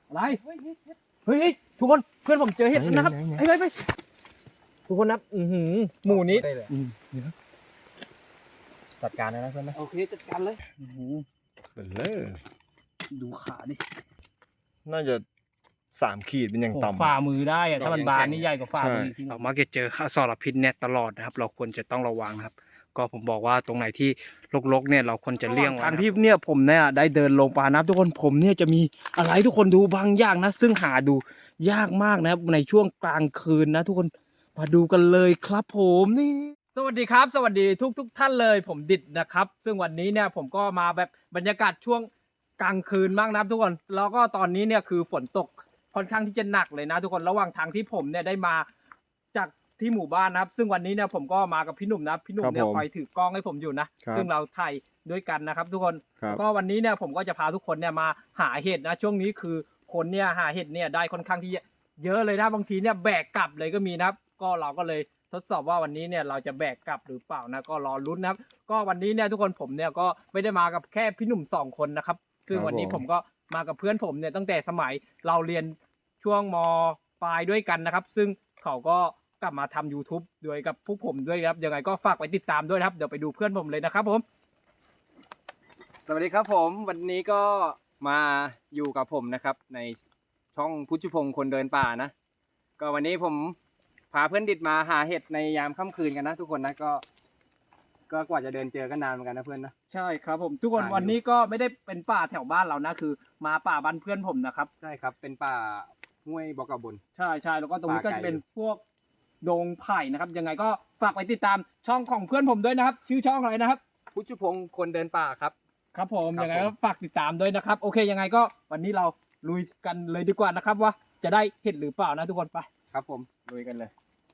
อะไรเฮ้ยทุกคนเพื่อนผมเจอเห็ดนะครับไปทุกคนนับหมู่นี้จัดการเลยนะเพื่อนนะโอเคจัดการเลยเป็นเลยดูขาดิน่าจะ3 ขีดเป็นอย่างต่ำฝ่ามือได้อะถ้ามันบานนี่ใหญ่กว่าฝ่ามือเรามักจะเจออสรพิษเนี่ยตลอดนะครับเราควรจะต้องระวังนะครับก็ผมบอกว่าตรงไหนที่รกๆเนี่ยเราควรจะเลี่ยงทางที่เนี่ยผมเนี่ยได้เดินลงป่านะครับทุกคนผมเนี่ยจะมีอะไรทุกคนดูบางอย่างนะซึ่งหาดูยากมากนะครับในช่วงกลางคืนนะทุกคนมาดูกันเลยครับผมนี่สวัสดีครับสวัสดีทุกท่านเลยผมดิดนะครับซึ่งวันนี้เนี่ยผมก็มาแบบบรรยากาศช่วงกลางคืนมากนะครับทุกคนแล้วก็ตอนนี้เนี่ยคือฝนตกค่อนข้างที่จะหนักเลยนะทุกคนระหว่างทางที่ผมเนี่ยได้มาจากที่หมู่บ้านนะครับซึ่งวันนี้เนี่ยผมก็มากับพี่หนุ่มนะพี่หนุ่มเนี่ยคอยถือกล้องให้ผมอยู่นะซึ่งเราถ่ายด้วยกันนะครับทุกคนก็วันนี้เนี่ยผมก็จะพาทุกคนเนี่ยมาหาเห็ดนะช่วงนี้คือคนเนี่ยหาเห็ดเนี่ยได้ค่อนข้างที่เยอะเลยนะบางทีเนี่ยแบกกลับเลยก็มีนะครับก็เราก็เลยทดสอบว่าวันนี้เนี่ยเราจะแบกกลับหรือเปล่านะก็รอลุ้นนะครับก็วันนี้เนี่ยทุกคนผมเนี่ยก็ไม่ได้มากับแค่พี่หนุ่ม2 คนนะครับซึ่งวันนี้ผมก็มากับเพื่อนผมเนี่ยตั้งแต่สมัยเราเรียนช่วงม.ปลายด้วยกันนะครับซึ่งเขาก็กลับมาทำ YouTube ด้วยกับพวกผมด้วยครับยังไงก็ฝากไปติดตามด้วยนะครับเดี๋ยวไปดูเพื่อนผมเลยนะครับผมสวัสดีครับผมวันนี้ก็มาอยู่กับผมนะครับในช่องพุทธพงศ์คนเดินป่านะก็วันนี้ผมพาเพื่อนดิดมาหาเห็ดในยามค่ำคืนกันนะทุกคนนะก็กว่าจะเดินเจอกันนานเหมือนกันนะเพื่อนนะใช่ครับผมทุกคนวันนี้ก็ไม่ได้เป็นป่าแถวบ้านเรานะคือมาป่าบ้านเพื่อนผมนะครับใช่ครับเป็นป่าห้วยบอกกระบนใช่แล้วก็ตรงนี้ก็จะเป็นพวกดงไผ่นะครับยังไงก็ฝากไปติดตามช่องของเพื่อนผมด้วยนะครับชื่อช่องอะไรนะครับพุทธพงศ์คนเดินป่าครับครับผมยังไงก็ฝากติดตามด้วยนะครับโอเคยังไงก็วันนี้เราลุยกันเลยดีกว่านะครับว่าจะได้เห็ดหรือเปล่านะทุกคนไปครับผมลุยกันเลย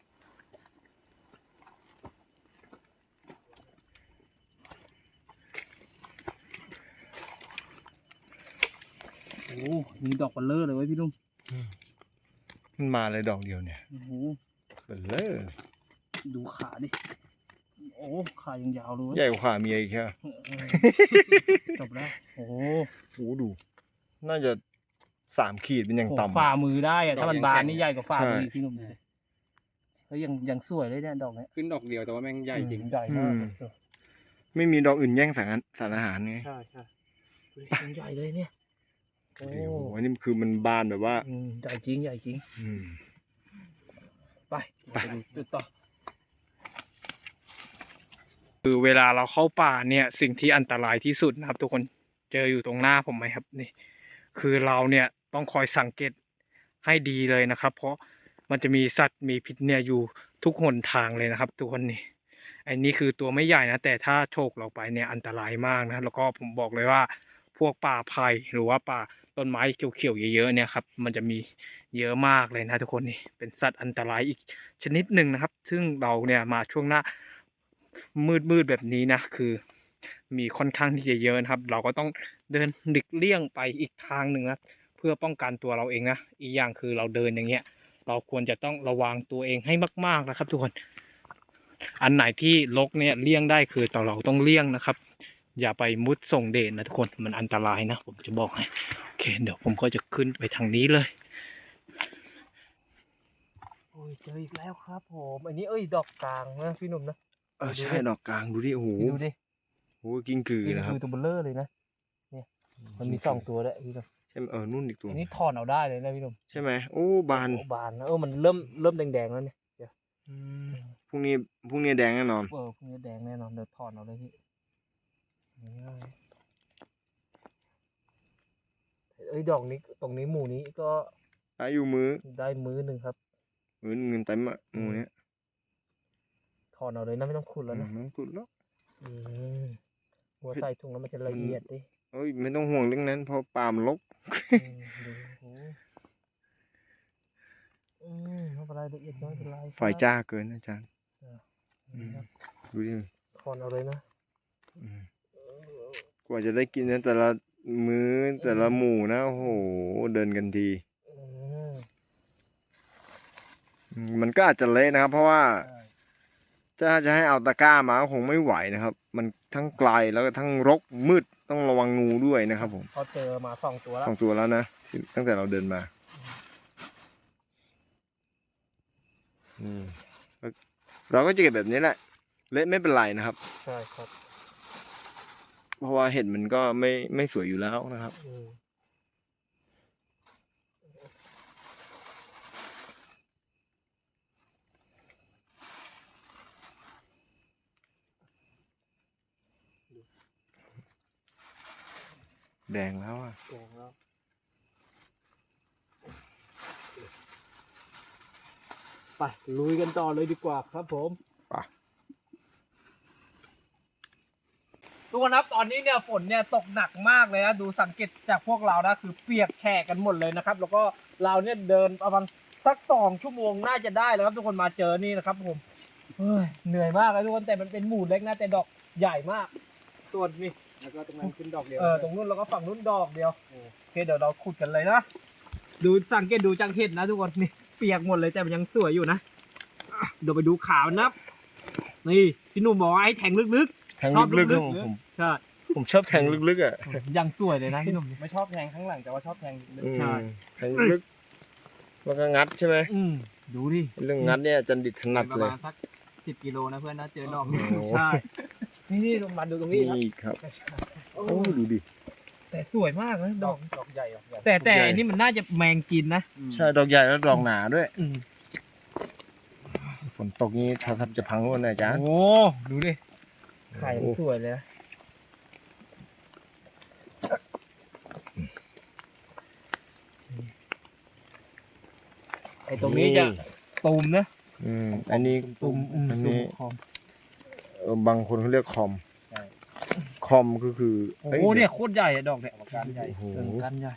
โอ้มีดอกบัลเลอร์เลยเว้ยพี่ลุงมันมาเลยดอกเดียวเนี่ยโอ้โหเป็นเลยดูขาดิโอ้ขายังยาวเลยใหญ่กว่าขาเมียอีกแค่จบแล้วโอ้โหดู น่าจะ3 ขีดเป็นอย่างต่ำฝ่ามือได้อะถ้ามันบานนี่ใหญ่กว่าฝ่ามือพี่หนุ่มเลยเฮ้ยยังสวยเลยเนี่ยดอกเนี้ยขึ้นดอกเดียวแต่ว่าแม่งใหญ่จริงใหญ่มากไม่มีดอกอื่นแย่งสารอาหารไงใช่ยังใหญ่เลยเนี่ยโอ้โหอันนี้คือมันบานแบบว่าใหญ่จริงไปจุดต่อคือเวลาเราเข้าป่าเนี่ยสิ่งที่อันตรายที่สุดนะครับทุกคนเจออยู่ตรงหน้าผมไหมครับนี่คือเราเนี่ยต้องคอยสังเกตให้ดีเลยนะครับเพราะมันจะมีสัตว์มีพิษเนี่ยอยู่ทุกหนทางเลยนะครับทุกคนนี่อันนี้คือตัวไม่ใหญ่นะแต่ถ้าโฉกเราไปเนี่ยอันตรายมากนะแล้วก็ผมบอกเลยว่าพวกป่าไผ่หรือว่าป่าต้นไม้เขียวๆเยอะๆเนี่ยครับมันจะมีเยอะมากเลยนะทุกคนนี่เป็นสัตว์อันตรายอีกชนิดหนึ่งนะครับซึ่งเราเนี่ยมาช่วงหน้ามืดแบบนี้นะคือมีค่อนข้างที่จะเยอะนะครับเราก็ต้องเดินหลีกเลี่ยงไปอีกทางหนึ่งนะเพื่อป้องกันตัวเราเองนะอีกอย่างคือเราเดินอย่างเงี้ยเราควรจะต้องระวังตัวเองให้มากๆนะครับทุกคนอันไหนที่รกเนี่ยเลี่ยงได้คือเราต้องเลี่ยงนะครับอย่าไปมุดส่งเดชนะทุกคนมันอันตรายนะผมจะบอกให้โอเคเดี๋ยวผมก็จะขึ้นไปทางนี้เลยโอ้ยเจออีกแล้วครับผมอันนี้ดอกกลางนะพี่หนุ่มนะใช่ดอกกลางดูดิโอ้โหดูดิโอ้กิ้งกือนะครับตัวเบลเลอร์เลยนะเนี่ยมันมี2 ตัวด้วยพี่หนุ่มใช่นู่นอีกตัวอันนี้ถอนเอาได้เลยนะพี่หนุ่มใช่ไหมโอ้บานนะมันเริ่มแดงๆแล้วเนี่ยเดี๋ยวพรุ่งนี้แดงแน่นอนพรุ่งนี้แดงแน่นอนเดี๋ยวถอนเอาเลยพี่ดอกนี้ตรงนี้หมู่นี้ก็ได้อยู่ได้มื้อหนึ่งครับมื้อเงินเต็มอะหมู่เนี้ยถอนเอาเลยนะไม่ต้องขุดแล้วนะไม่ต้องขุดแล้วหัวใส่ถุงแล้วมันจะละเอียดดิไม่ต้องห่วงเรื่องนั้นเพราะปาล์มรกไม่เป็นไรละเอียดน้อยเป็นไรไฟจ้าเกินอาจารย์ดูดิถอนเอาเลยนะกว่าจะได้กินนะแต่ละมื้อแต่ละหมู่นะโอ้โหเดินกันทีมันก็อาจจะเละนะครับเพราะว่าจะให้เอาตะกร้ามาก็คงไม่ไหวนะครับมันทั้งไกลแล้วก็ทั้งรกมืดต้องระวังงูด้วยนะครับผมเขาเจอมา2 ตัวแล้ว 2 ตัวแล้วนะตั้งแต่เราเดินมาเราก็จะเก็บแบบนี้แหละเละไม่เป็นไรนะครับใช่ครับเพราะว่าเห็ดมันก็ไม่สวยอยู่แล้วนะครับแดงแล้วอ่ะไปลุยกันต่อเลยดีกว่าครับผมไปทุกคนครับตอนนี้เนี่ยฝนเนี่ยตกหนักมากเลยนะดูสังเกตจากพวกเรานะคือเปียกแฉะกันหมดเลยนะครับแล้วก็เราเนี่ยเดินประมาณสัก2 ชั่วโมงน่าจะได้แล้วครับทุกคนมาเจอนี่นะครับผมเฮ้ยเหนื่อยมากเลยทุกคนแต่มันเป็นหมู่เล็กนะแต่ดอกใหญ่มากส่วนนี่แล้วก็ตรงนั้นขึ้นดอกเดียวตรงนู้นแล้วก็ฝั่งนู้นดอกเดียวโอเคเดี๋ยวเราขุดกันเลยนะดูสังเกตดูจังเห็ดนะทุกคนนี่เปียกหมดเลยแต่มันยังสวยอยู่นะเดี๋ยวไปดูขาวนะนี่พี่หนุ่มบอกว่าให้แทงลึกแทงลึกๆของผมๆใช่ผมชอบแทงลึกๆอ่ะยังสวยเลยนะพี่หนุ่มไม่ชอบแทงข้างหลังแต่ว่าชอบแทงใช่แทงลึกแล้วก็งัดใช่ไหมดูดิเรื่องงัดเนี่ยจันดิตถนัดประเลมาย ณสัก10 กิโลนะเพื่อนนะเจอดอกใช่นี่ลงมาดูตรงนี้ครับนี่ครับโอ้โอ้ดูดิแต่สวยมากนะดอกดอกใหญ่ดอกใหญ่แต่อันนี้มันน่าจะแมงกินนะใช่ดอกใหญ่แล้วดอกหนาด้วยอืมฝนตกนี้ถ้าทับจะพังร่วนนะอาจารย์โอ้ดูดิไข่มันสวยเลยนะไอ้ตรงนี้จะตูมนะอันนี้ตูมอันนี้คอมบางคนเขาเรียกคอมคอมก็คือโอ้โหเนี่ยโคตรใหญ่อะดอกเนี่ยการใหญ่โอ้โหกันใหญ่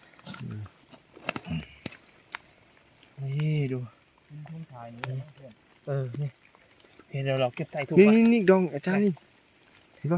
นี่ดูทุ่งทายนี้เพื่อนนี่โอเคเดี๋ยวเราเก็บใส่ถุงนี่ก่อนนี่ดองอาจารย์นี่เห็นป่ะ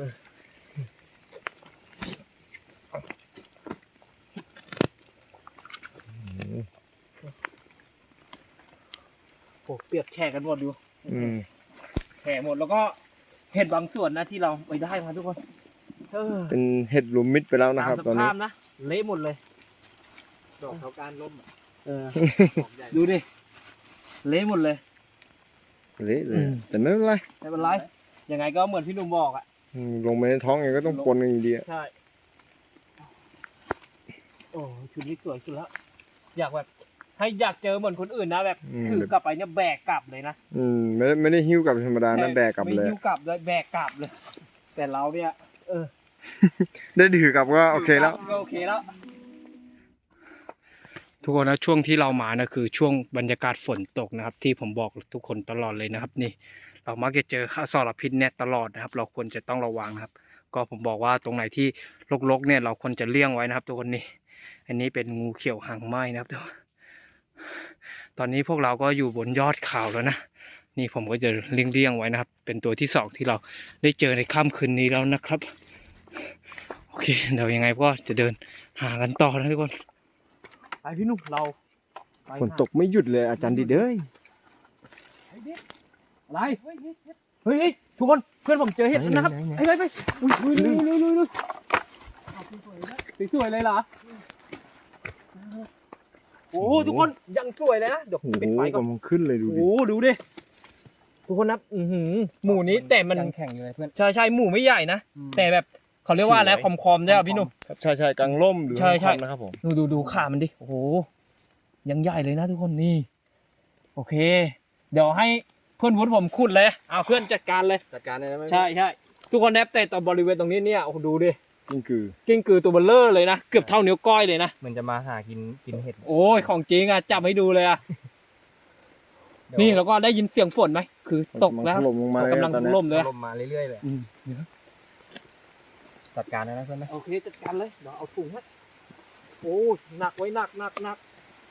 โอ้เปียกแฉะกันหมดดูมแฉะหมดแล้วก็เห็ดบางส่วนนะที่เราไปได้มาทุกคนเป็นเห็ดรวมมิตรไปแล้วนะครับตามตอนสนี้ภาพนะเละหมดเลยดอกเขาการล่ม ดอกใหญ่ดูดิเละหมดเลยเละเลยแต่ไม่เป็นไรไม่เป็นไรยังไงก็เหมือนพี่หนุ่มบอกอ่ะลงไปในท้องยังไงก็ต้องปนกันอยู่ดีอะใช่โอ้ชุดนี้สวยสุดแล้วอยากแบบให้อยากเจอเหมือนคนอื่นนะแบบถือกลับไปเนี่ยแบกกลับเลยนะไม่ได้หิ้วกลับธรรมดานะแบกกลับเลยไม่หิ้วกลับเลยแบกกลับเลย แต่เราเนี่ยได้ถือกลับก็โอเคแล้วก็โอเคแล้วทุกคนนะช่วงที่เรามานะคือช่วงบรรยากาศฝนตกนะครับ ที่ผมบอกทุกคนตลอดเลยนะครับ นี่ เรามักจะเจออสรพิษเนี่ยตลอดนะครับ เราควรจะต้องระวังนะครับ ก็ผมบอกว่าตรงไหนที่รกๆเนี่ยเราควรจะเลี่ยงไว้นะครับทุกคนนี่อันนี้เป็นงูเขียวหางไหม้นะครับทุกคนตอนนี้พวกเราก็อยู่บนยอดเขาแล้วนะนี่ผมก็จะเลี่ยงไว้นะครับ เป็นตัวที่2ที่เราได้เจอในค่ำคืนนี้แล้วนะครับโอเคเดี๋ยวยังไงก็จะเดินหากันต่อนะทุกคนไปพี่หนุ่มเราไปฝนตกไม่หยุดเลยอาจารย์ดิเด้ยอะไรเฮ้ยทุกคนเพื่อนผมเจอเห็ดนะครับไปอุ้ยลุยสวยเลยเหรอโอ้ทุกคนยังสวยเลยนะเดี๋ยวโอ้โหปิดไฟก่อนกำลังขึ้นเลยดูดิโอ้ดูดิทุกคนนับหมู่นี้แต่มันแข่งอยู่เลยเพื่อนใช่หมู่ไม่ใหญ่นะแต่แบบเขาเรียกว่าอะไรคอมได้ป่ะพี่หนุ่มใช่กลางร่มหรือใช่คอมนะครับผมดูขามันดิโอ้โหยังใหญ่เลยนะทุกคนนี่โอเค เดี๋ยวให้เพื่อนวุฒิผมขุดเลยเอาเพื่อนจัดการเลยจัดการได้ไหมใช่ทุกคนแนบแต่ตอนบริเวณตรงนี้เนี่ยโอ้โหดูดินี่คือกิ้งกือตัวเบลเลอร์เลยนะเกือบเท่านิ้วก้อยเลยนะมันจะมาหากินเห็ดโอ้ยของจริงอ่ะจับให้ดูเลยอ่ะนี่แล้วก็ได้ยินเสียงฝนไหมคือตกแล้วถล่มลงมาเลยกำลังตอนนี้ล่มเลยลมมาเรื่อยๆเลยจัดการได้ไหมเพื่อนนะโอเคจัดการเลยเดี๋ยวเอาถุงให้โอ้หนักไว้หนัก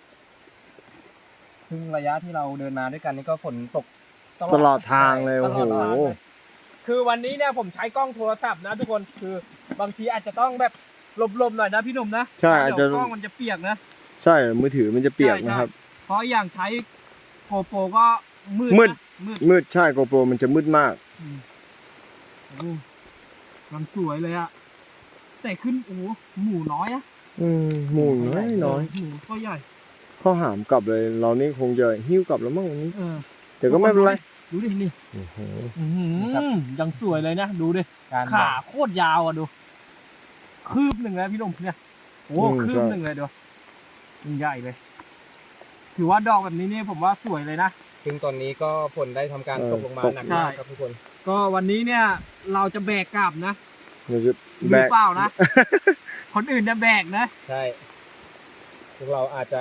ซึ่งระยะที่เราเดินมาด้วยกันนี่ก็ฝนตกตลอดทางเลยตโอ้ลโหอดทางเลยคือวันนี้เนี่ยผมใช้กล้องโทรศัพท์นะทุกคนคือบางทีอาจจะต้องแบบหลบๆหน่อยนะพี่หนุ่มนะใช่อาจจะเดี๋ยวกล้องมันจะเปียกนะใช่มือถือมันจะเปียกนะครับเพราะอย่างใช้โกโปรก็มืดมืดนะมืดมืดใช่โกโปรมันจะมืดมากมันสวยเลยอะแต่ขึ้นโอ้โหหมูน้อยอะหมูน้อยหมูก็ใหญ่ข้าวหามกลับเลยเรานี่คงจะหิ้วกลับแล้วมั้งวันนี้เออแต่ก็ไม่เป็นไรดูดินี่โอ้โหยังสวยเลยนะดูดิการขาโคตรยาวอ่ะดู คืบหนึ่งเลยพี่หนุ่มเนี่ยโอ้คืบหนึ่งเลยดูมันใหญ่เลย ถือว่าดอกแบบนี้นี่ผมว่าสวยเลยนะซึ่งตอนนี้ก็ฝนได้ทำการตกลงมาหนักมากครับทุกคนก็วันนี้เนี่ย เราจะแบกกลับนะเราจะหแบรือก เปล่านะ คนอื่นจะแบกนะใช่พวกเราอาจจะ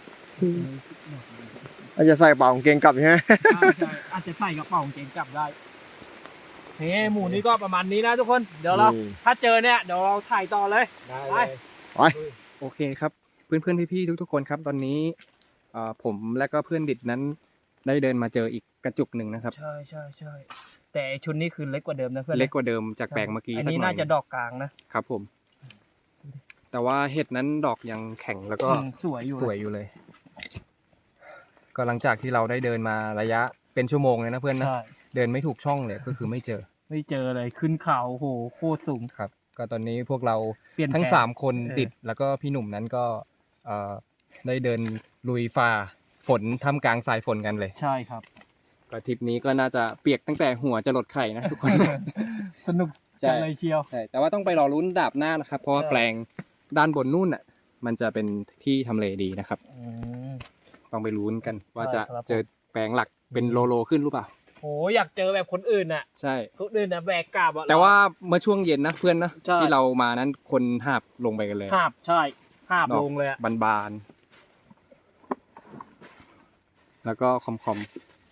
อาจจะใส่เป่ากางเกงกลับใช่ไหมใช่อาจจะใส่กระเป๋ากางเกงกลับได้เฮ้หมูนี้ก็ประมาณนี้นะทุกคน เดี๋ยวเราถ้าเจอเนี่ยเดี๋ยวเราถ่ายต่อเลยได้ไปเลย โอเคครับ เพื่อนๆพี่ๆทุกๆคนครับ ตอนนี้ผมและก็เพื่อนดิดนั้นได้เดินมาเจออีกกระจุกหนึ่งนะครับใช่ใช่ใช่แต่ชุดนี้คือเล็กกว่าเดิมนะเพื่อนเล็กกว่าเดิมจากแปลงเมื่อกี้อันนี้สักหน่าจะดอกกลางนะครับผม แต่ว่าเห็ดนั้นดอกยังแข็งแล้วก็สวยอยู่สวยอยู่เลย ก็หลังจากที่เราได้เดินมาระยะเป็นชั่วโมงเลยนะเพื่อนนะใช่เดินไม่ถูกช่องเลยก็คือไม่เจอไม่เจอเลยขึ้นเขาโอ้โหโคตรสูงครับ ก็ตอนนี้พวกเราเปลี่ยนทั้งแผน 3 คนดิดแล้วก็พี่หนุ่มนั้นก็ได้เดินลุยฝ่าฝนท่ามกลางสายฝนกันเลยใช่ครับก็ทริปนี้ก็น่าจะเปียกตั้งแต่หัวจะหลดไข่นะทุกคนสนุกใช่จังเลยเชียวใช่แต่ว่าต้องไปรอลุ้นดาบหน้านะครับ เพราะว่าใช่แปลงด้านบนนู่นอ่ะมันจะเป็นที่ทำเลดีนะครับอืมต้องไปลุ้นกันว่าจะใช่ครับเจอแปลงหลักเป็นโลขึ้นหรือเปล่าโหอยากเจอแบบคนอื่นน่ะใช่คนอื่นน่ะแบกกลับอะแต่ว่าเมื่อช่วงเย็นนะเพื่อนนะใช่ที่เรามานั้นคนหาบลงไปกันเลยหาบใช่หาบดอกลงเลยอะบานๆแล้วก็คอม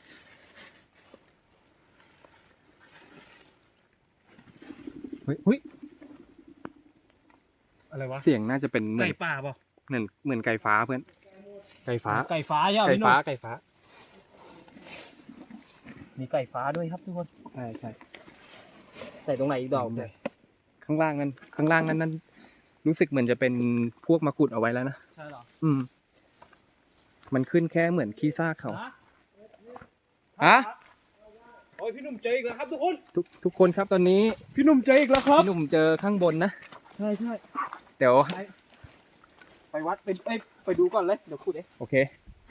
เฮ้ยอะไรวะเสียงน่าจะเป็นเหมือไก่นป่าเปล่าเหมือนไก่ฟ้าเพื่อนไก่ฟ้าไก่ฟ้าใช่ไหมไก่พี่หนุ่ฟ้าม ไก่ฟ้ามีไก่ฟ้าด้วยครับทุกคนใช่ใช่ใส่ตรงไหนอีกดอกเลยข้างล่างนั้นรู้สึกเหมือนจะเป็นพวกมะกรูดเอาไว้แล้วนะใช่เหรอมันขึ้นแค่เหมือนขี้ซากเขาฮะฮะโอ้ยพี่หนุ่มเจออีกแล้วครับทุกคนทุกคนครับตอนนี้พี่หนุ่มเจออีกแล้วครับพี่หนุ่มเจอข้างบนนะใช่ใช่เดี๋ยวไปวัดไปดูก่อนเลยเดี๋ยวพูดเองโอเค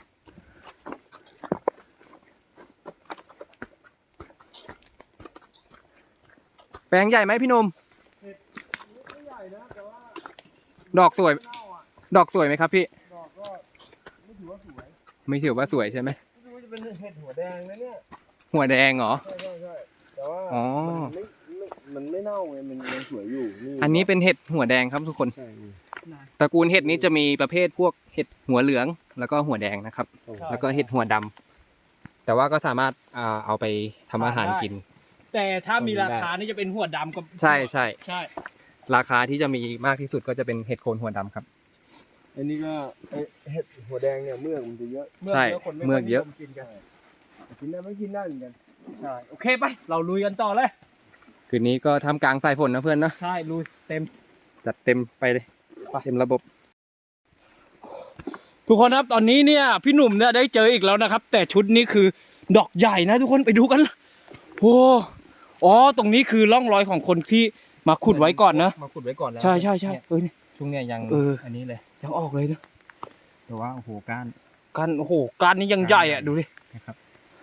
แปลงใหญ่ไหมพี่หนุ่มไม่ใหญ่นะแต่ว่าดอกสวยเน่าอ่ะดอกสวยไหมครับพี่ดอกก็ไม่ถือว่าสวยไม่ถือว่าสวยใช่ไหมไม่รู้ว่าจะเป็นเห็ดหัวแดงนะเนี่ยหัวแดงเหรอใช่ใช่ใช่แต่ว่าอ๋อมันไม่เน่าไงมันยังสวยอยู่อันนี้เป็นเห็ดหัวแดงครับทุกคนใช่นี่ตระกูลเห็ดนี้จะมีประเภทพวกเห็ดหัวเหลืองแล้วก็หัวแดงนะครับโอ้โหแล้วก็เห็ดหัวดำแต่ว่าก็สามารถเอาไปทำอาหารกินแต่ถ้ามีราคานี่จะเป็นหัวดำกับใช่ใช่ใช่ราคาที่จะมีมากที่สุดก็จะเป็นเห็ดโคนหัวดำครับอันนี้ก็เห็ดหัวแดงเนี่ยเมือกมันจะเยอะใช่คนเมือกเยอะนิมกินกันกินได้ไม่กินได้เหมือนกันใช่โอเคไปเราลุยกันต่อเลยคืนนี้ก็ทำกลางสายฝนนะเพื่อนนะใช่ลุยเต็มจัดเต็มไปเลยเต็มระบบทุกคนครับตอนนี้เนี่ยพี่หนุ่มเนี่ยได้เจออีกแล้วนะครับ แต่ชุดนี้คือดอกใหญ่นะทุกคนไปดูกันโอ้อ๋อตรงนี้คือร่องรอยของคนที่มาขุดไว้ก่อนนะมาขุดไว้ก่อนแล้วใช่ใช่ใช่เนี่ยช่วงเนี้ยยัง อันนี้เลยยังออกเลยนะแต่ว่าโอ้โหก้านกันโอ้โหการนี้ยังใหญ่อ่ะดูดินะครับ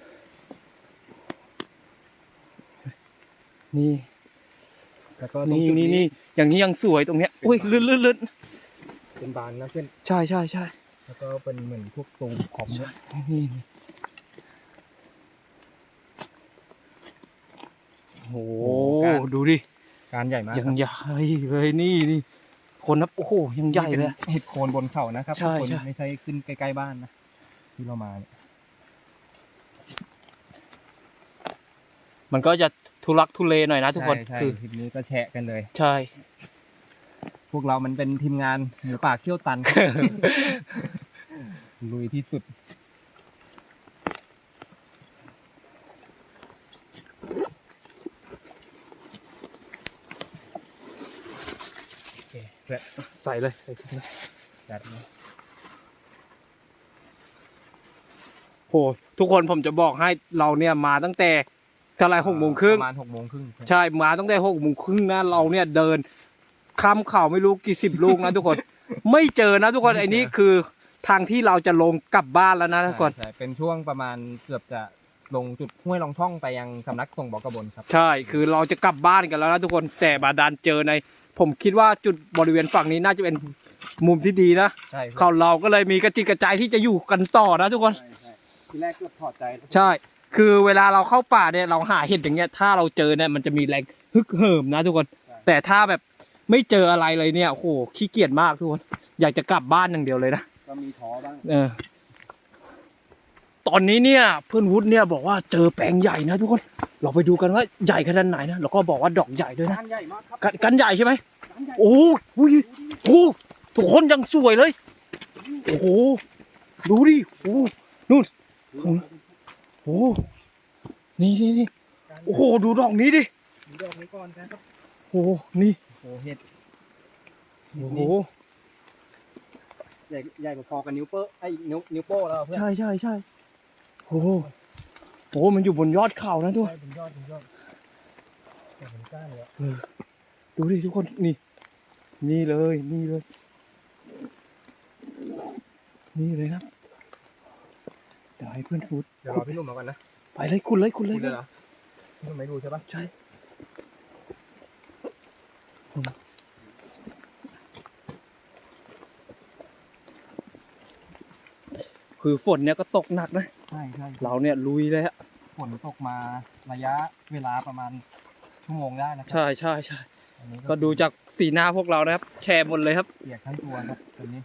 นี่แล้วก็ตรงนี่จุดนี่นี่อย่างนี้ยังสวยตรงเนี้ยอุ้ยลื่นลื่นลื่นเป็นบานนะเพื่อนใช่ใช่ใช่แล้วก็เป็นเหมือนพวกตรงขอบเนี่ยนี่โอ้โหดูดิการใหญ่มากยังใหญ่เลยนี่นี่คนนับโอ้โหยังใหญ่เลยอะเห็ดโคนบนเขานะครับใช่ทุกคนใช่ไม่ใช่ขึ้นใกล้ๆบ้านนะที่เรามาเนี่ยมันก็จะทุลักทุเลหน่อยนะทุกคนใช่คือทีนี้ก็แชะกันเลยใช่พวกเรามันเป็นทีมงานหมูป่าเขี้ยวตัน ลุยที่สุดโอเคเพื่อนใส่เลยจัดเลยโหทุกคนผมจะบอกให้เราเนี่ยมาตั้งแต่เท่าไหร่6 โมงครึ่งประมาณ6 โมงครึ่งใช่มาตั้งแต่6 โมงครึ่งนะเราเนี่ยเดินคำข่าวไม่รู้กี่สิบลูกนะทุกคน ไม่เจอนะทุกคนไอ้นี่คือทางที่เราจะลงกลับบ้านแล้วนะทุกคนใช่เป็นช่วงประมาณเกือบจะลงจุดห้วยลองท่องไปยังสำนักส่งบอกกระบนครับใช่คือเราจะกลับบ้านกันแล้วนะทุกคนแต่บาดาลเจอใน ผมคิดว่าจุดบริเวณฝั่งนี้น่าจะเป็นมุมที่ดีนะใช่เขาเราก็เลยมีกระจิตกระใจที่จะอยู่กันต่อนะทุกคนทีแรกเกือบถอดใจใช่ คือเวลาเราเข้าป่าเนี่ยเราหาเห็ดอย่างเงี้ยถ้าเราเจอเนี่ยมันจะมีแรงฮึกเหิมนะทุกคน แต่ถ้าแบบไม่เจออะไรเลยเนี่ยโอ้โหขี้เกียจมากทุกคนอยากจะกลับบ้านอย่างเดียวเลยนะก็มีท้อบ้างตอนนี้เนี่ยเพื่อนวุฒิเนี่ยบอกว่าเจอแปลงใหญ่นะทุกคนเราไปดูกันว่าใหญ่ขนาดไหนนะแล้วก็บอกว่าดอกใหญ่ด้วยนะก้านใหญ่มากครับกันใหญ่ใช่ไหมก้านใหญ่โอ้ยโอ้ทุกคนยังสวยเลย โอ้โห ดูดิ โอ้นู่นโอ้นี่โอ้โห ดูดอกนี้ดิดูดอกนี้ก่อนครับโอ้นี่โอ้เห็ดโอ้โหใหญ่พอๆกับนิ้วโป้ไอ้นิ้วโป้แล้วเพื่อนใช่โอ้โหมันอยู่บนยอดเขานะทุกคนเป็นยอดแต่เป็นก้านเลยดูดิทุกคน นี่เลยนี่เลยนะเดี๋ยวให้เพื่อนพูดเดี๋ยวรอพี่หนุ่มมาก่อนนะไปเลยคุณเลยคุณเลยเหรอพี่หนุ่มไม่ดูใช่ปะใช่คือฝนเนี่ยก็ตกหนักนะใช่เราเนี่ยลุยเลยฮะฝนตกมาระยะเวลาประมาณชั่วโมงได้นะครัใช่อันนี้ก็ดูจากสีหน้าพวกเรานะครับ แชร์หมดเลยครับเปียกทั้งตัวครับตอนนี้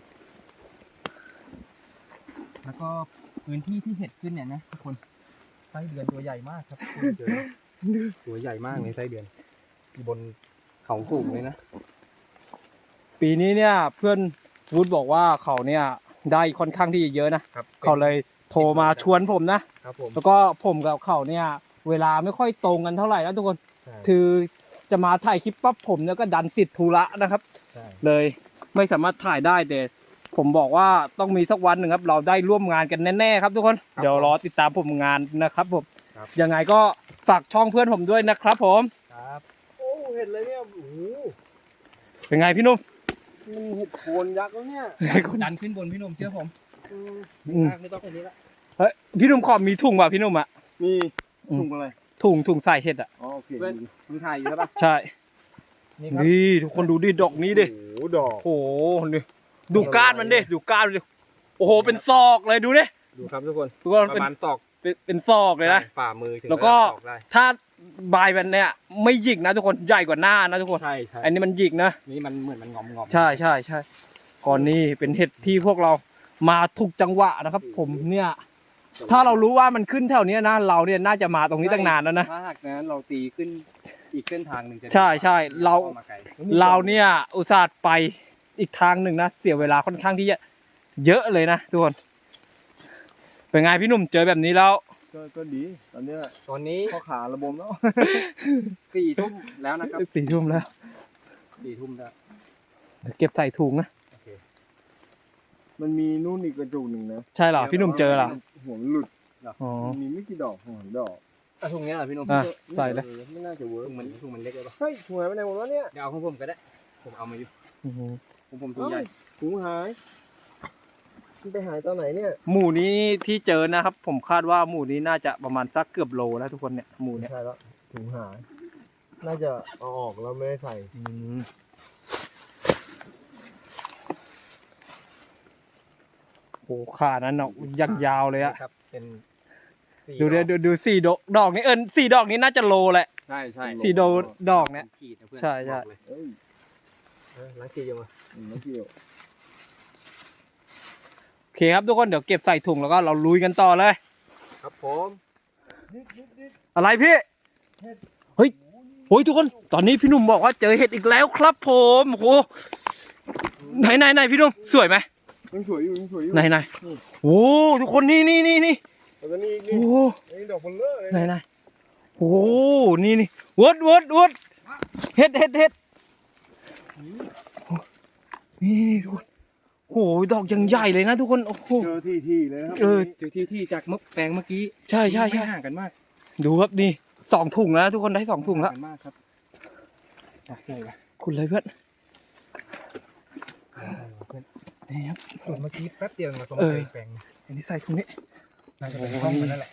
แล้วก็พื้นที่ที่เห็ดขึ้นเนี่ยนะทุกคนไส้เดือนตัวใหญ่มากครับตัวใหญ่มากในไส้เดือนอยู่บนเขาสูงเลยนะปีนี้เนี่ยเพื่อนวูดบอกว่าเขาเนี่ยได้ค่อนข้างที่จะเยอะนะครับ เขาเลยโทรมาชวนผมนะครับผมแล้วก็ผมกับเขาเนี่ยเวลาไม่ค่อยตรงกันเท่าไหร่นะทุกคนใช่คือจะมาถ่ายคลิปปั๊บผมเนี่ยก็ดันติดธุระนะครับใช่เลยไม่สามารถถ่ายได้แต่ผมบอกว่าต้องมีสักวันหนึ่งครับ เราได้ร่วมงานกันแน่ๆครับทุกคน เดี๋ยวรอติดตามผมงานนะครับผมยังไงก็ฝากช่องเพื่อนผมด้วยนะครับผมครับโอ้เห็นเลยเนี่ยโอ้โหเป็นไงพี่นุ่มมันเห็ดโคนยักษ์แล้วเนี่ยดันขึ้นบนพี่หนุ่มเชื่อผมอืมไม่ต้องแค่นี้ละเฮ้ยพี่นุ่มขอมีถุงป่ะพี่นุ่มอ่ะมีอืมถุงอะไรถุงใส่เห็ดอ่ะอ๋อโอเคเพื่อนมึงถ่ายอยู่ใช่ปะใช่นี่ครับนี่ทุกคนดูดิดอกนี้ดิโอ้โหดอกโอ้โหนี่ดูก้านมันดิดูก้านมันดิโอ้โหเป็นซอกเลยดูดิดูครับทุกคนทุกคนปเป็นระมาณศอกเป็นซอกเลยนะฝ่ามือถึงแล้วก็ระดับศอกได้ถ้าใบมันเนี่ยไม่หยิกนะทุกคนใหญ่กว่าหน้านะทุกคนใช่อันนี้มันหยิกนะนี่มันเหมือนมันงอมใช่ก่อนนี้เป็นเห็ดที่พวกเรามาถูกจังหวะนะครับ ผมเนี่ยถ้าเรารู้ว่ามันขึ้นแถวเนี้ยนะเราเนี่ยน่าจะมาตรงนี้ตั้งนานแล้วนะถ้าหากนั้นเราตีขึ้นอีกเส้นทางหนึ่งจะใช่เรามาไกลเราเนี่ยอุตส่าห์ไปอีกทางหนึ่งนะเสียเวลาค่อนข้างที่จะเยอะเลยนะทุกคนเป็นไงพี่หนุ่มเจอแบบนี้แล้วก็ดีตอนเนี้ยตอนนี้ข้อขาระบมแล้ว 4 ทุ่มแล้วนะครับ 4 ทุ่มแล้ว 4 ทุ่มแล้วเดี๋ยวเก็บใส่ถุงนะมันมีนู่นอีกกระจุกหนึ่งนะใช่เหรอพี่หนุ่มเจอเหรอหัวมันหลุดอ๋อมันมีไม่กี่ดอกหัวดอกถุงนี้เหรอพี่หนุ่มอ่ะใส่เลยไม่น่าจะเวิร์กถุงมันเล็กเลยปะเฮ้ยถุงหายไปไหนหมดวะเนี่ยเดี๋ยวเอาของผมก็ได้ ผมเอามาอยู่โอ้โหผมถุงใหญ่ถุงหายมันไปหายตอนไหนเนี่ยหมู่นี้ที่เจอนะครับ ผมคาดว่าหมู่นี้น่าจะประมาณสักเกือบโลแล้วทุกคนเนี่ยหมู่ไม่เนี่ยใช่แล้วถุงหาย น่าจะเอาออกแล้วไม่ได้ใส่โอ้ขานั้นเนาะยังยาวเลยอะครับ เป็นดูดิดูสี่ดอกนี้สี่ดอกนี้น่าจะโลแหละใช่ใช่สี่ดอกเนี่ยขีดนะเพื่อนใช่บอกเลยเอ้ยล้างขีดยังไงไม่เกี่ยวโอเคครับทุกคนเดี๋ยวเก็บใส่ถุงแล้วก็เราลุยกันต่อเลยครับผมอะไรพี่เฮ้ยโอ้ยทุกคนตอนนี้พี่หนุ่มบอกว่าเจอเห็ดอีกแล้วครับผมโอ้โหไหนพี่หนุ่มสวยไหมยังสวยอยู่ยังสวยอยู่ไหนโอ้ทุกคนนี่แล้วก็นี่อีกโอ้นี่นี่ดอกพลเลอร์เลยไหนโอ้นี่วดเห็ดนี่ทุกคนโอ้ยดอกยังใหญ่เลยนะทุกคนโอ้โหเจอที่เลยนะครับเจอที่จากแปลงเมื่อกี้ใช่ไม่ห่างกันมากดูครับนี่2 ถุงแล้วทุกคนได้2 ถุงแล้วห่างกันมากครับใช่คุณเลยเพื่อนนี่ครับส่วนเมื่อกี้แป๊บเดียวเราต้องเอไปอแปลงอันนี้ใส่ถุงนี้น่าจะเป็นห้องมันนั่นแหละ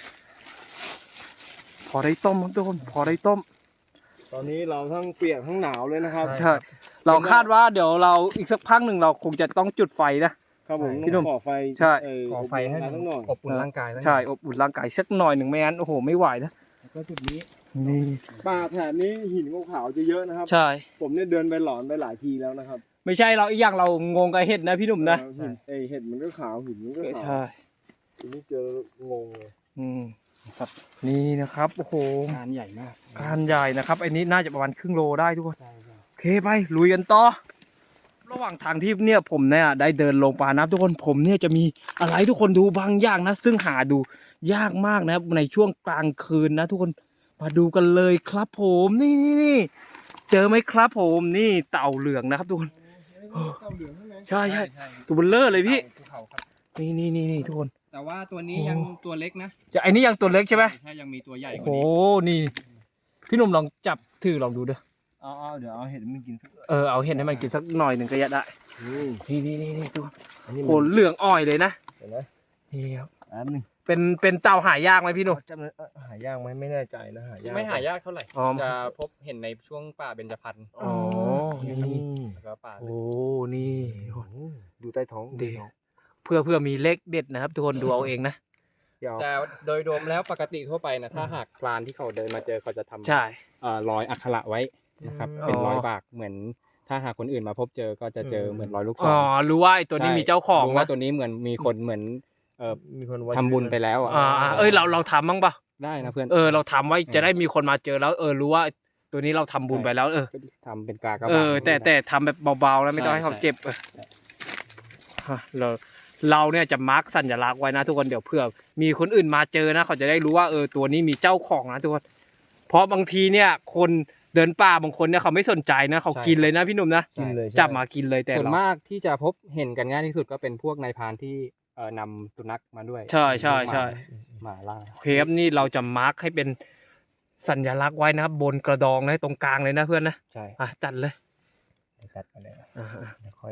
พอได้ต้มครับทุกคนพอได้ต้มตอนนี้เราทั้งเปียกทั้งหนาวเลยนะครับใช่ เราคาดว่าเดี๋ยวเราอีกสักพักหนึ่งเราคงจะต้องจุดไฟนะครับผมพี่หนุ่มก่อไฟใช่ก่อไฟให้ทั้งหน่อยอบอุ่นร่างกายแล้วใช่อบอุ่นร่างกายสักหน่อยหนึ่งไม่งั้นโอ้โหไม่ไหวนะแล้วก็จุดนี้นี่ป่าแถบนี้หินขาวๆจะเยอะนะครับใช่ผมเนี่ยเดินไปหลอนไปหลายทีแล้วนะครับไม่ใช่เราอีกอย่างเรางงกับเห็ดนะพี่หนุ่มนะหินเห็ดมันก็ขาวหินมันก็ขาวใช่ทีนี้เจองงเลยอืมครับนี่นะครับโอ้โหงานใหญ่มากการใหญ่นะครับอันนี้น่าจะประมาณครึ่งโลได้ทุกคนโอเคไปลุยกันต่อระหว่างทางที่เนี่ยผมเนี่ยได้เดินลงป่าน้ำทุกคนผมเนี่ยจะมีอะไรทุกคนดูบางอย่างนะ ซึ่งหาดูยากมากนะครับในช่วงกลางคืนนะ ทุกคนมาดูกันเลยครับผมนี่เจอไหมครับผมนี่เต่าเหลืองนะครับทุกคน ใช่ใช่ตัวเบลเลอร์เลยพี่ภูเขาครับนี่ทุกคนแต่ว่าตัวนี้ยังตัวเล็กนะจะไอ้นี่ยังตัวเล็กใช่ไหมใช่ยังมีตัวใหญ่โอ้กโหว่านี้นี่ พี่หนุ่มลองจับถือลองดูด้วยเอาเดี๋ยวเอาเห็ดมันกินสักเอาเห็นให้มันกินสักหน่อยหนึ่งก็จะได้ นี่ทุกคนอันนี้โหเหลืองอ่อยเลยนะเห็นไหมนี่ครับอันนึงเป็นเต่าหายากไหมพี่หนุ่มจำเลยหายากไหมไม่แน่ใจนะหายากไม่หายากเท่าไหร่อ๋อจะพบเห็นในช่วงป่าเบญจพรรณอ๋อนี่แล้วก็ป่าโอ้นี่ดูใต้ท้องเดี๋ยวเพื่อมีเลขเด็ดนะครับ ทุกคนดูเอาเองนะเดี๋ยวแต่โดยรวมแล้วปกติทั่วไปนะถ้าหากพรานที่เขาเดินมาเจอเขาจะทำใช่รอยอักขระไว้นะครับอ๋อเป็นรอยบากเหมือน ถ้าหากคนอื่นมาพบเจอก็จะเจอเหมือนรอยลูกศรอ๋อรู้ว่าไอ้ตัวนี้ใช่มีเจ้าของรู้ว่านะตัวนี้เหมือนมีคนเหมือนมีคนไว้ทำบุญไปแล้วอ่ะเราทำบ้างปะได้นะเพื่อนเราทำไว้จะได้มีคนมาเจอแล้วรู้ว่าตัวนี้เราทำบุญไปแล้วก็ทำเป็นกากระบาดแต่ทำแบบเบาๆแล้วไม่ต้องให้เขาเจ็บเราเนี่ยจะมาร์กสัญลักษณ์ไว้นะทุกคนเดี๋ยวเผื่อมีคนอื่นมาเจอนะเขาจะได้รู้ว่าตัวนี้มีเจ้าของนะทุกคนเพราะบางทีเนี่ยคนเดินป่าบางคนเนี่ยเขาไม่สนใจนะเขากินเลยนะพี่หนุ่มนะกินเลยจับมากินเลยแต่ส่วนเรามากที่จะพบเห็นกันง่ายที่สุดก็เป็นพวกนายพรานที่นำสุนัขมาด้วยใช่หมาล่าโอเคครับนี่เราจะมาร์กให้เป็นสัญลักษณ์ไว้นะครับบนกระดองนะตรงกลางเลยนะเพื่อนนะใช่จัดเลยจัดกันเลยเดี๋ยวค่อย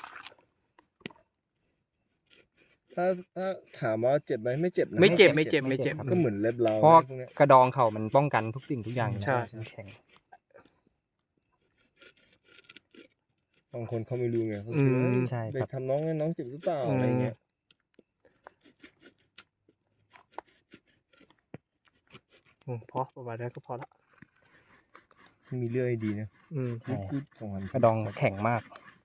ถ้าถามว่าเจ็บไหมไม่เจ็บนะไม่เจ็บก็เหมือนเล็บเราเพราะพวกเนี้ยกระดองเขามันป้องกันทุกสิ่งทุกอย่างใช่มันแข็งบางคนเขาไม่รู้ไงเขาอืคิดว่ามใช่ไปครับทำน้องให้น้องเจ็บหรือเปล่าอะไรเงี้ยพอประมาณนั้นก็พอละมีเลือดให้ดีนะใช่พูดของมันกระดองแข็งมาก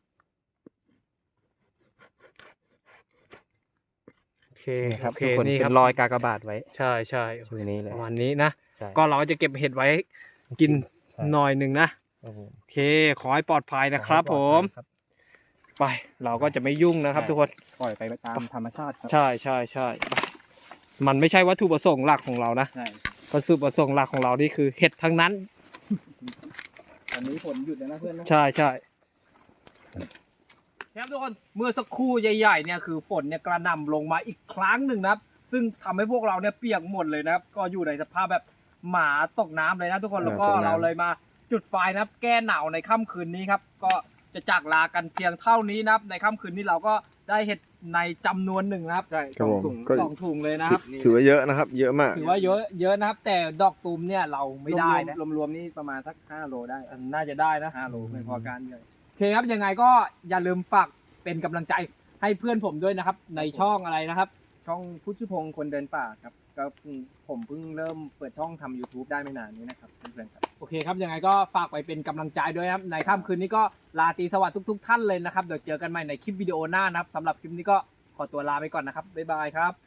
โอเคนี่ครับโอเคทุกคนนี่คเป็รับนรอยกากบาทไว้ใช่ชื่อนี้เลยประมาณนี้นะใช่ก็เราจะเก็บเห็ดไว้กินใช่หน่อยหนึ่งนะครับผมโอเคขอให้ปลอดภัยนะครับผมครับไปเราก็จะไม่ยุ่งนะครับ ทุกคนปล่อยไปตามธรรมชาติครับใช่ไปมันไม่ใช่วัตถุประสงค์หลักของเรานะใช่วัตถุประสงค์หลักของเรานี่คือเห็ดทั้งนั้นตอนนี้ฝนหยุดแล้วนะเพื่อนนะใช่ครับทุกคนเมื่อสักครู่ใหญ่ๆเนี่ยคือฝนเนี่ยกระหน่ำลงมาอีกครั้งหนึ่งนะครับ ซึ่งทำให้พวกเราเนี่ยเปียกหมดเลยนะครับ ก็อยู่ในสภาพแบบหมาตกน้ำเลยนะทุกคนแล้วก็เราเลยมาจุดไฟนะครับ แก้หนาวในค่ำคืนนี้ครับก็จะจากลากันเพียงเท่านี้นะครับในค่ำคืนนี้เราก็ได้เห็ดในจำนวนหนึ่งนะครับใช่ครับผมก็สองถุงเลยนะครับถือว่าเยอะนะครับ เยอะมากถือว่าเยอะนะครับ แต่ดอกตูมเนี่ยเราไม่ได้นะรวมๆนี่ประมาณสัก5 โลได้น่าจะได้นะ 5 โลไม่พอการเลยโอเคครับยังไงก็อย่าลืมฝากเป็นกำลังใจให้เพื่อนผมด้วยนะครับ ในช่องอะไรนะครับช่องพุทธิพงศ์คนเดินป่าครับก็ผมเพิ่งเริ่มเปิดช่องทำ YouTube ได้ไม่นานนี้นะครับเพื่อนๆครับโอเคครับยังไงก็ฝากไปเป็นกำลังใจด้วยครับในค่ำคืนนี้ก็ลาตรีสวัสดิ์ทุกๆท่านเลยนะครับเดี๋ยวเจอกันใหม่ในคลิปวิดีโอหน้านะครับสำหรับคลิปนี้ก็ขอตัวลาไปก่อนนะครับบ๊ายบายครับ